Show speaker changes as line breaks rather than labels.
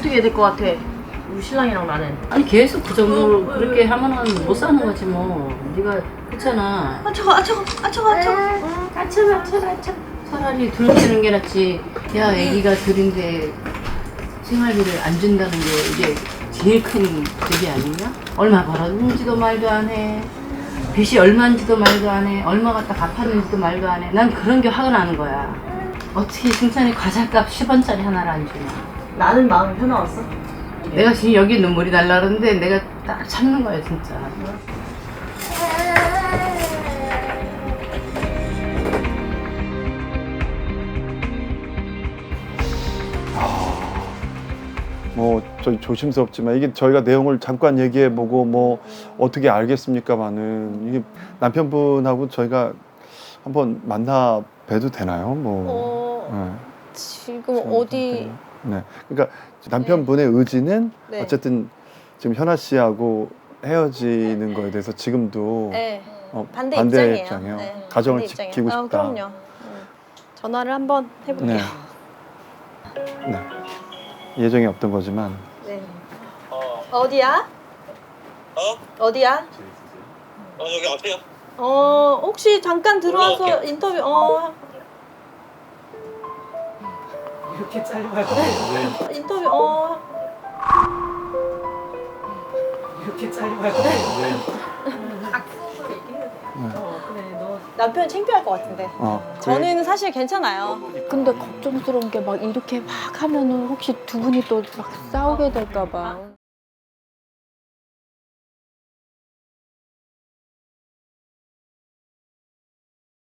어떻게 해야 될 것 같아? 우리 신랑이랑 나는.
아니 계속 그 정도로 그렇게 하면은 못 사는 거지 뭐. 네가 그렇잖아.
아차가.
아차. 차라리 둘째는 게 낫지. 야 애기가 둘인데 생활비를 안 준다는 게 이게 제일 큰 적이 아니냐? 얼마 벌었는지도 말도 안 해. 빚이 얼마인지도 말도 안 해. 얼마 갖다 갚았는지도 말도 안 해. 난 그런 게 화가 나는 거야. 어떻게 승찬이 과자값 10원짜리 하나를 안 주냐.
나는 마음이 편하웠어?
내가 지금 여기 눈물이 날라 그러는데 내가 딱 참는 거야 진짜.
뭐 저희 조심스럽지만 이게 저희가 내용을 잠깐 얘기해보고 뭐 어떻게 알겠습니까만은 이게 남편분하고 저희가 한번 만나 뵈도 되나요? 뭐
지금
네.
어디
네, 그러니까 남편분의 의지는
네.
어쨌든 지금 현아 씨하고 헤어지는 거에 대해서 지금도
네. 반대
반대
입장이에요.
입장이에요.
네.
가정을
반대 입장이에요.
지키고 싶다.
그럼요. 전화를 한번 해볼게요.
네. 네. 예정이 없던 거지만
네. 어디야? 어디야?
여기 앞에요.
혹시 잠깐 들어와서
올라올게요.
인터뷰
이렇게 짧아요.
인터뷰
이렇게 짧아요.
남편 창피할 것 같은데. 저는 사실 괜찮아요.
근데 걱정스러운 게 막 이렇게 막 하면은 혹시 두 분이 또 막 싸우게 될까 봐.